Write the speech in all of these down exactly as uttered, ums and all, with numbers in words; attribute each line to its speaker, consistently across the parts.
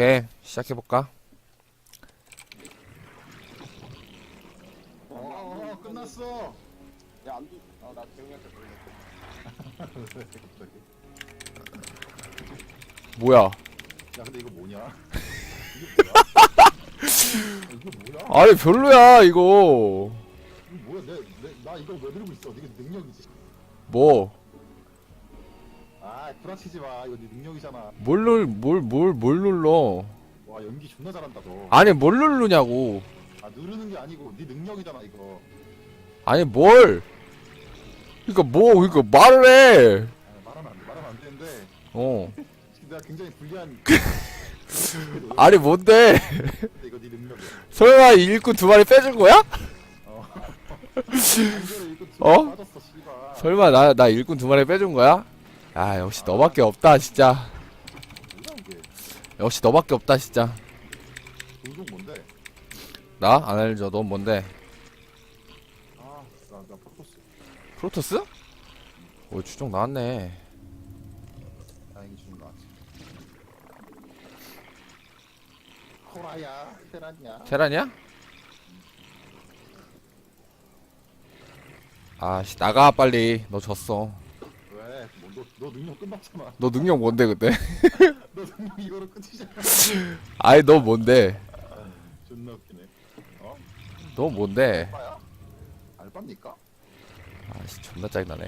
Speaker 1: 오케이, 시작해볼까?
Speaker 2: 어, 어, 어 끝났어.
Speaker 3: 야, 안 돼. 아, 나 재웅이한테 걸렸어.
Speaker 2: 왜 갑자기?
Speaker 1: 뭐야?
Speaker 2: 야 근데 이거 뭐냐? 이게 뭐야? 이게 뭐야?
Speaker 1: 아니 별로야 이거.
Speaker 2: 이거 뭐야? 내, 내, 나 이거 왜 들고 있어? 이게 능력이지.
Speaker 1: 뭐?
Speaker 2: 아 구라치지 마. 이거 네 능력이잖아.
Speaker 1: 뭘 눌, 뭘, 뭘, 뭘 눌러?
Speaker 2: 와 연기 존나 잘한다 너.
Speaker 1: 아니 뭘 누르냐고.
Speaker 2: 아 누르는 게 아니고 네 능력이잖아 이거.
Speaker 1: 아니 뭘? 그니까 뭐, 그니까 말을 해.
Speaker 2: 아, 말하면 안 돼. 말하면 안 되는데
Speaker 1: 어.
Speaker 2: 내가 굉장히 불리한.
Speaker 1: 아니 뭔데?
Speaker 2: 근데 이거 네 능력이야.
Speaker 1: 설마 일꾼 두 마리 빼준 거야?
Speaker 2: 어. 강제로 이거 두
Speaker 1: 어?
Speaker 2: 빠졌어 씨발.
Speaker 1: 설마 나, 나 일꾼 두 마리 빼준 거야? 아 역시 너밖에 없다 진짜.
Speaker 2: 뭐야 이게?
Speaker 1: 역시 너밖에 없다 진짜.
Speaker 2: 동종 뭔데?
Speaker 1: 나? 안 알죠. 넌 뭔데?
Speaker 2: 아나나 프로토스.
Speaker 1: 프로토스? 오 추종 나왔네.
Speaker 2: 다행히 주는 거 같지. 코라야, 테란이야.
Speaker 1: 테란이야? 아씨 나가 빨리. 너 졌어.
Speaker 2: 왜? 뭐, 너, 너 능력 끝났잖아.
Speaker 1: 너 능력 뭔데 근데?
Speaker 2: 너 능력 이거로 끝이잖아.
Speaker 1: 아이 너 뭔데?
Speaker 2: 존나 웃기네. 어?
Speaker 1: 너 뭔데?
Speaker 2: 알바야? 알바입니까?
Speaker 1: 아씨 존나 짜증나네.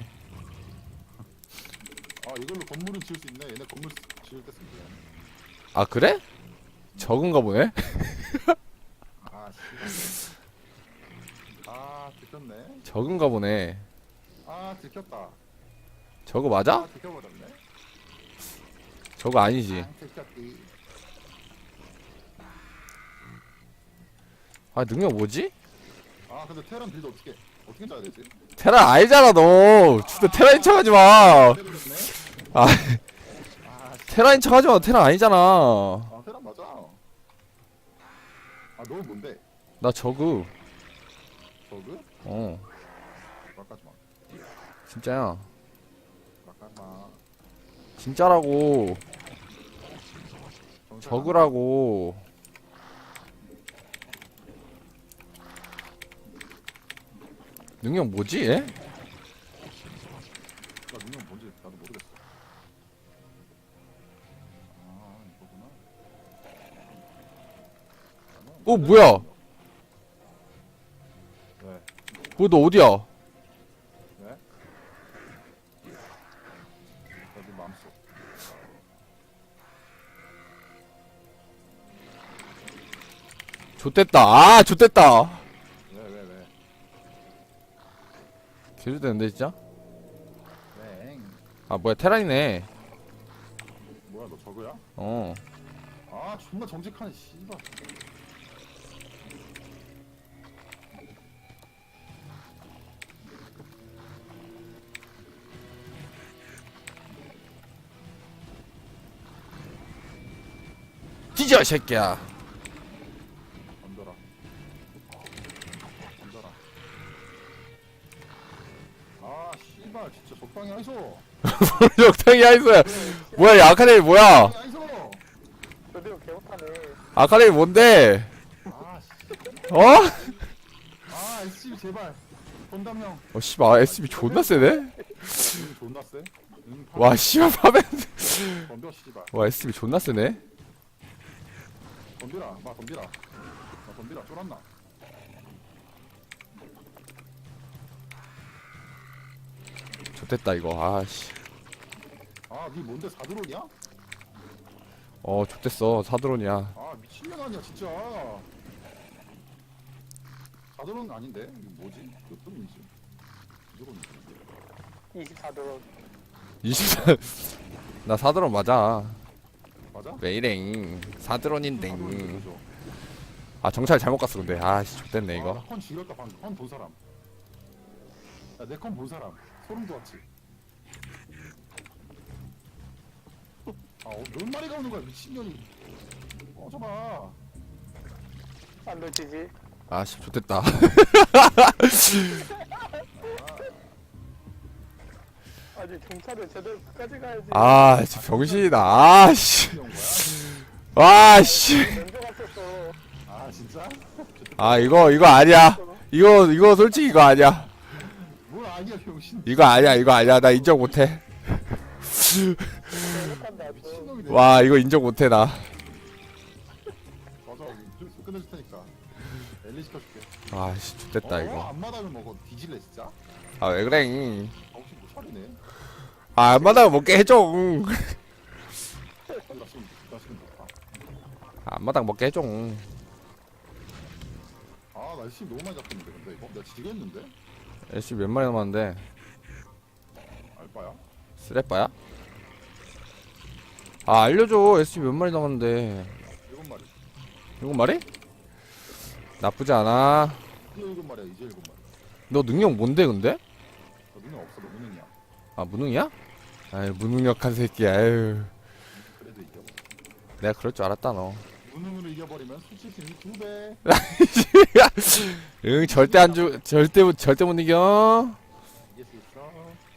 Speaker 2: 아 이걸로 건물은 지을 수 있네. 얘네 건물 쓰- 지을 때 쓰면 돼.
Speaker 1: 아 그래? 적은가 보네?
Speaker 2: 아 씨. 아 들켰네.
Speaker 1: 적은가 보네.
Speaker 2: 아 들켰다.
Speaker 1: 저거 맞아?
Speaker 2: 아 들켜버렸네.
Speaker 1: 저거 아니지.
Speaker 2: 아, 들켰디.
Speaker 1: 아 능력 뭐지?
Speaker 2: 아 근데 테란 빌드 어떻게 어떻게 짜야 되지?
Speaker 1: 테란 아니잖아 너. 진짜 테란인 척하지 마.
Speaker 2: 때려졌네.
Speaker 1: 아
Speaker 2: 아 씨.
Speaker 1: 테란인 척하지 마. 테란 아니잖아.
Speaker 2: 아 테란 맞아. 아너 뭔데?
Speaker 1: 나 저그.
Speaker 2: 저그?
Speaker 1: 어
Speaker 2: 막하지 마.
Speaker 1: 진짜야.
Speaker 2: 막하지 마.
Speaker 1: 진짜라고.
Speaker 2: 정신
Speaker 1: 저그라고. 능력 뭐지 얘?
Speaker 2: 나 능력 뭔지 나도 모르겠어. 아 이거구나.
Speaker 1: 어 뭐야?
Speaker 2: 왜?
Speaker 1: 뭐 너 어디야?
Speaker 2: 왜? 나네 마음속.
Speaker 1: 좆됐다. 아 좆됐다.
Speaker 2: 왜 왜 왜?
Speaker 1: 개좆됐는데 진짜?
Speaker 2: 왜?
Speaker 1: 아 뭐야 테란이네.
Speaker 2: 뭐야 너 저거야?
Speaker 1: 어.
Speaker 2: 아 존나 정직하네 씨발.
Speaker 1: 뒤져 이 새끼야.
Speaker 2: 덤벼라. 덤벼라. 아 씨발 진짜 적당히 하이소.
Speaker 1: 적당히 하이소야. 뭐야 이 아카데미 뭐야?
Speaker 2: 적당히 하이소.
Speaker 3: 저대로 개못하네.
Speaker 1: 아카데미 뭔데?
Speaker 2: 아 씨.
Speaker 1: 어?
Speaker 2: 아 에스씨비 제발. 건담 형.
Speaker 1: 어 씨발 에스비 존나 세네?
Speaker 2: 이거 존나 세? 응,
Speaker 1: 와 씨발 파벤.
Speaker 2: 덤벼 씨발.
Speaker 1: 와 에스비 존나 세네?
Speaker 2: 덤비라 마 덤비라 마 덤비라 쫄았나.
Speaker 1: 좆됐다 이거. 아씨.
Speaker 2: 아니 뭔데 사드론이야?
Speaker 1: 어 좆됐어. 사드론이야.
Speaker 2: 아 미친년 아니야 진짜. 사드론 아닌데? 이거 뭐지? 몇 드론이지? 드론이지.
Speaker 3: 이십사 도.
Speaker 1: 이십사. 나 사드론 맞아.
Speaker 2: 맞아?
Speaker 1: 왜이랭. 사드론인데.
Speaker 2: 사드론인데 그죠?
Speaker 1: 아 정찰 잘못 갔어 근데. 아씨 좆됐네 이거.
Speaker 2: 아, 컨 죽였다 방금. 컨 본 사람. 야 내 컨 본 사람. 소름 돋았지. 아, 어, 몇 마리가 오는 거야 미친년이. 꺼져봐.
Speaker 3: 안 놓치지.
Speaker 1: 아씨 좆됐다.
Speaker 3: 아니, 경찰을 제대로 끝까지 가야지.
Speaker 1: 아 진짜 병신이다. 아씨.
Speaker 2: 이런 거야?
Speaker 1: 와씨.
Speaker 3: 먼저 갔었어.
Speaker 2: 아 진짜?
Speaker 1: 아 이거 이거 아니야. 이거 이거 솔직히 이거 아니야.
Speaker 2: 뭘 아니야 병신.
Speaker 1: 이거 아니야 이거 아니야. 나 인정 못해.
Speaker 3: 생각한다.
Speaker 2: 미친놈이네.
Speaker 1: 와 이거 인정 못해 나.
Speaker 2: 맞아. 좀 끝내줄 테니까. 엘리 시켜줄게.
Speaker 1: 아씨 좋됐다
Speaker 2: 어?
Speaker 1: 이거.
Speaker 2: 앞마당을 먹어. 뒤질래 진짜?
Speaker 1: 아 왜 그래?
Speaker 2: 정신 못 차리네.
Speaker 1: 아 안마당 먹게 해줘.
Speaker 2: 나 지금 나 지금 좋다.
Speaker 1: 안마당 먹게 해줘.
Speaker 2: 아 날씨 너무 많이 잡혔는데 근데 이거 내가 지겠는데?
Speaker 1: 애쉬 몇 마리 남았는데?
Speaker 2: 알바야?
Speaker 1: 쓰레빠야? 아 알려줘. 애쉬 몇 마리 남았는데?
Speaker 2: 일곱 마리.
Speaker 1: 일곱 마리? 나쁘지 않아.
Speaker 2: 이제 일곱 마리야 이제 일곱 마리.
Speaker 1: 너 능력 뭔데 근데?
Speaker 2: 너 능력 없어 너 무능이야.
Speaker 1: 아 무능이야? 아이 무능력한 새끼야. 아유.
Speaker 2: 그래도 이겨.
Speaker 1: 내가 그럴 줄 알았다 너.
Speaker 2: 무능으로 이겨버리면 수치심이 두 배.
Speaker 1: 응 절대 안 주. 절대 못- 절대 못 이겨.
Speaker 2: 이길 수 있어.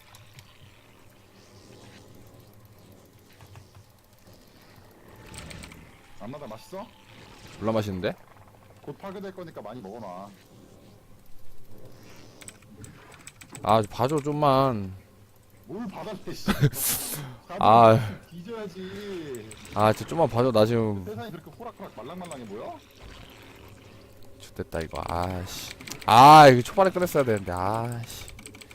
Speaker 2: 안마다 맛있어?
Speaker 1: 졸라 맛있는데?
Speaker 2: 곧 파괴될 거니까 많이 먹어놔.
Speaker 1: 아 봐줘 좀만.
Speaker 2: 뭘 받아내 씨.
Speaker 1: 아.
Speaker 2: 뒤져야지.
Speaker 1: 아 진짜 좀만 봐줘. 나 지금
Speaker 2: 세상이 그렇게 호락호락 말랑말랑해 보여?
Speaker 1: 좋됐다 이거. 아씨. 아 이거 초반에 끝냈어야 되는데. 아씨.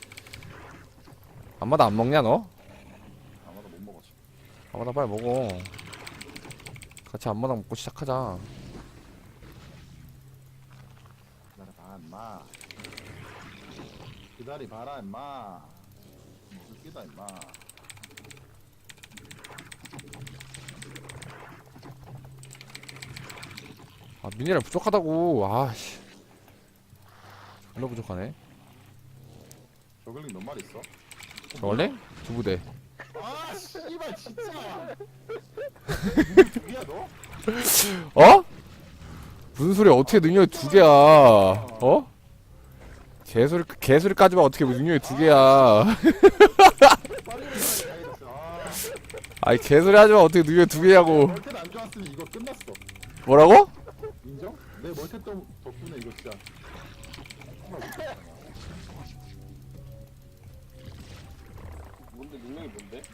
Speaker 1: 안마다 안 먹냐 너?
Speaker 2: 아마도 못 먹었지.
Speaker 1: 안마다 빨리 먹어. 같이 안마당 먹고 시작하자.
Speaker 2: 기다려봐 임마. 기다려봐라 임마. 무슨 끼다 임마.
Speaker 1: 아 미네랄 부족하다고. 아씨. 존나 부족하네.
Speaker 2: 저글링 몇 마리 있어?
Speaker 1: 저걸래? 두 부대.
Speaker 2: 아 씨발 진짜. 누구야 너?
Speaker 1: 어? 무슨 소리야? 어떻게 능력이 두 개야? 어? 개소리 개소리 까지만 어떻게 능력이 두 개야?
Speaker 2: 빨리 가야겠어. 아.
Speaker 1: 아이 개소리 하지만 어떻게 능력이 두 개냐고.
Speaker 2: 멀텐 안 좋았으면 이거 끝났어.
Speaker 1: 뭐라고?
Speaker 2: 인정? 내 멀텐 덕- 덕분에 이거 진짜.
Speaker 3: 뭔데 능력이 뭔데?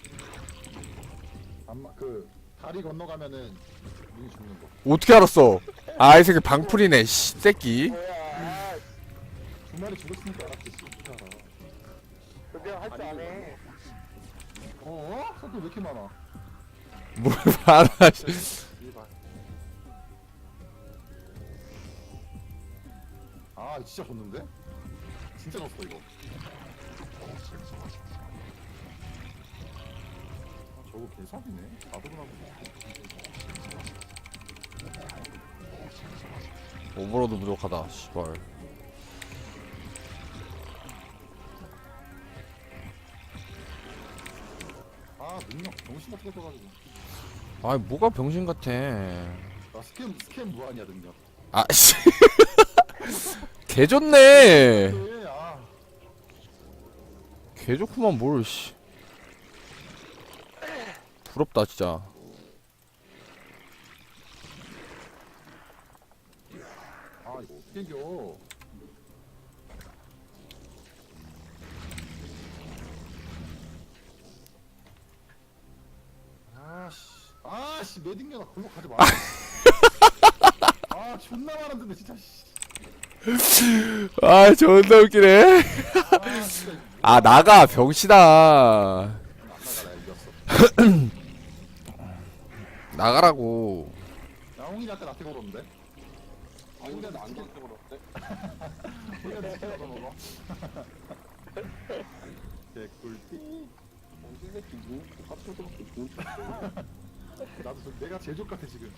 Speaker 2: 안마 그 다리 건너가면은 눈이 죽는 거.
Speaker 1: 어떻게 알았어? 아 이 새끼 방풀이네. 씨 새끼.
Speaker 3: 뭐야?
Speaker 2: 두 마리 죽었으니까 알았지. 씨. 어떻게 알아?
Speaker 3: 그게 할 줄 아네.
Speaker 2: 어? 사건 왜 이렇게 많아?
Speaker 1: 뭘 알아? 씨.
Speaker 2: 이발. 아 진짜 졌는데? 진짜 졌어 이거. 아, 저거 개사기네. 나도 그러고.
Speaker 1: 오버로드 부족하다. 씨발.
Speaker 2: 아 능력 정신 같게 써가지고.
Speaker 1: 아 뭐가 병신 같아.
Speaker 2: 나 스캔 스캔 무한이야 능력.
Speaker 1: 아 씨. 개 좋네.
Speaker 2: 네, 아.
Speaker 1: 개 좋구만 뭘 씨. 부럽다 진짜.
Speaker 2: 아 이거 어떻게 이겨? 아씨, 아씨 매딩겨나 골목 가지 마. 아 존나 많았는데 진짜. 씨.
Speaker 1: 아 존나 웃기네.
Speaker 2: 아 진짜.
Speaker 1: 아 나가 병신아.
Speaker 2: 안 나가 나 이겼어.
Speaker 1: 나가라고.
Speaker 2: 야 홍이 아까 나한테 걸었는데.
Speaker 3: 아니 근데 나안 좋게 걸었대.
Speaker 2: 홍이한테 치킨 얻어 먹어. 개꿀띠.
Speaker 3: 언제 새끼 눈 똑같은 거밖에 눈
Speaker 2: 나도 저, 내가 제일 족같아 지금.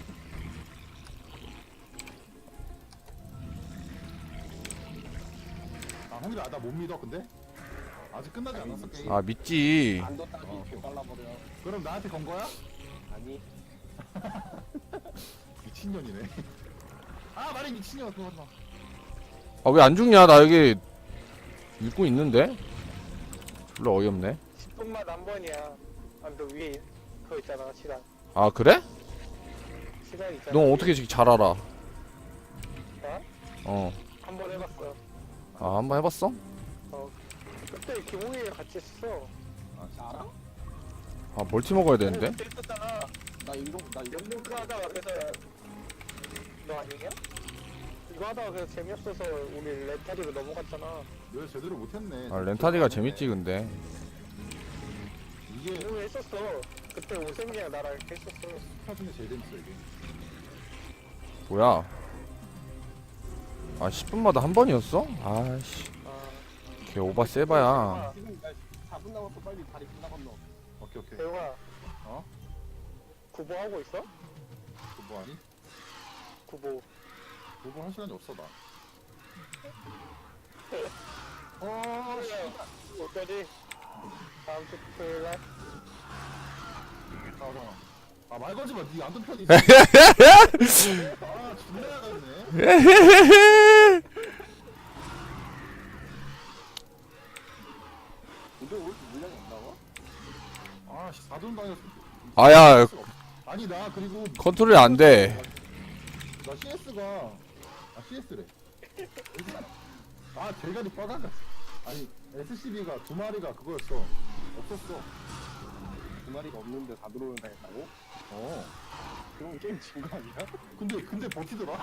Speaker 2: 아 홍이 나나 못 믿어 근데? 아직 끝나지 않았어 게임.
Speaker 1: 아 믿지.
Speaker 3: 안 뒀다기 이렇게 빨라버려.
Speaker 2: 그럼 나한테 건 거야?
Speaker 3: 아니
Speaker 2: 미친년이네. 아 말이 미친년 그거 하지 마.
Speaker 1: 아 왜 안 죽냐? 나 여기 읽고 있는데. 졸라 어이없네.
Speaker 4: 십 분만 한 번이야. 아, 너 위에 그거 있잖아, 시간.
Speaker 1: 아 그래?
Speaker 4: 시간 있잖아.
Speaker 1: 너 어떻게 지금 잘 알아?
Speaker 4: 나?
Speaker 1: 어.
Speaker 4: 한번 해봤어.
Speaker 1: 아, 한번 해봤어?
Speaker 4: 어. 그때 기몽이랑 같이 했어.
Speaker 2: 아 진짜? 알아?
Speaker 1: 아, 멀티 먹어야 되는데?
Speaker 4: 그때 했었잖아.
Speaker 3: 나 이런 나 이런
Speaker 4: 연봉크 하다가 그래서 너 아니냐? 이거 하다가 그래서 재미없어서 우리 렌타리로 넘어갔잖아.
Speaker 2: 왜 제대로 못했네.
Speaker 1: 아, 렌타디가 재밌지, 근데.
Speaker 2: 이게
Speaker 4: 기몽이 했었어. 그때 오sem이랑 나랑 했었어.
Speaker 2: 스타 중에 제일 재밌어 이게.
Speaker 1: 뭐야? 아, 십 분마다 한 번이었어? 아씨,
Speaker 4: 아,
Speaker 1: 걔 오바 세바야.
Speaker 3: 지금 나 사 분 남았어. 빨리 다리 끝나 건너.
Speaker 2: 오케이 오케이.
Speaker 4: 대웅아.
Speaker 2: 어?
Speaker 4: 구보 하고 있어?
Speaker 2: 그거 뭐 하니?
Speaker 4: 구보.
Speaker 2: 그거 할 시간이 없어 나. 어, 씨.
Speaker 4: 어쩌지? 다음 주 토요일 날?
Speaker 2: 아, 잠깐만. 아, 말 걸지 마. 니안 든 편이지. 아, 존나 나갔네.
Speaker 3: 근데 왜 이렇게 물량이 안 나와?
Speaker 2: 아, 씨, 사돈 당했어.
Speaker 1: 아야,
Speaker 2: 아니, 나 그리고
Speaker 1: 컨트롤이 안 돼.
Speaker 2: 나 씨에스가 아, 씨에스래. 아, 대가리 빠가가. 아니, 에스씨비가 두 마리가 그거였어. 없었어.
Speaker 3: 두 마리가 없는데 다 들어오는 당했다고?
Speaker 2: 어.
Speaker 3: 그럼 게임 진 거 아니야?
Speaker 2: 근데 근데 버티더라.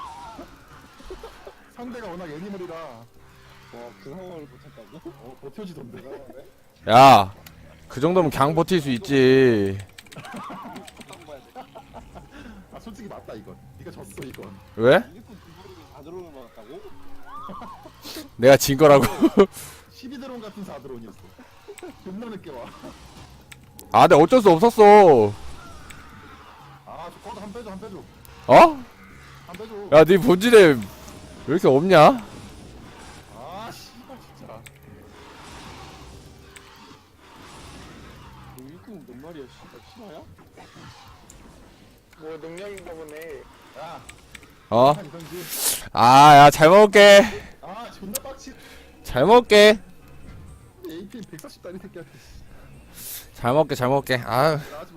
Speaker 2: 상대가 워낙 애니멀이라
Speaker 3: 와그 상황을 버텼다고?
Speaker 2: 어, 버텨지던데.
Speaker 3: 대단하네.
Speaker 1: 야, 그 정도면 강 버틸 수 있지.
Speaker 3: 딱 봐야 돼.
Speaker 2: 아, 솔직히 맞다 이건. 네가 졌어 이건.
Speaker 1: 왜?
Speaker 3: 이렇게 두 마리가 다 들어오는 거 같다고?
Speaker 1: 내가 진 거라고.
Speaker 2: 십이 드론 같은 사 드론이었어. 존나 늦게 와.
Speaker 1: 아, 근데 어쩔 수 없었어.
Speaker 2: 아, 저 꺼도 한 빼줘 한 빼줘
Speaker 1: 어?
Speaker 2: 한 빼줘.
Speaker 1: 야, 네 본질에 왜 이렇게 없냐?
Speaker 2: 아, 씨발 진짜.
Speaker 3: 너 일꾼 몇 마리야? 씨발 실화야?
Speaker 4: 뭐 능력인가 보네.
Speaker 2: 야,
Speaker 1: 어?
Speaker 2: 한 이던지.
Speaker 1: 아, 야, 잘 먹을게.
Speaker 2: 아, 존나 빡치.
Speaker 1: 잘 먹을게.
Speaker 2: 에이피엠 백사십 달이 새끼야.
Speaker 1: 잘 먹게, 잘 먹게. 아유.
Speaker 2: 나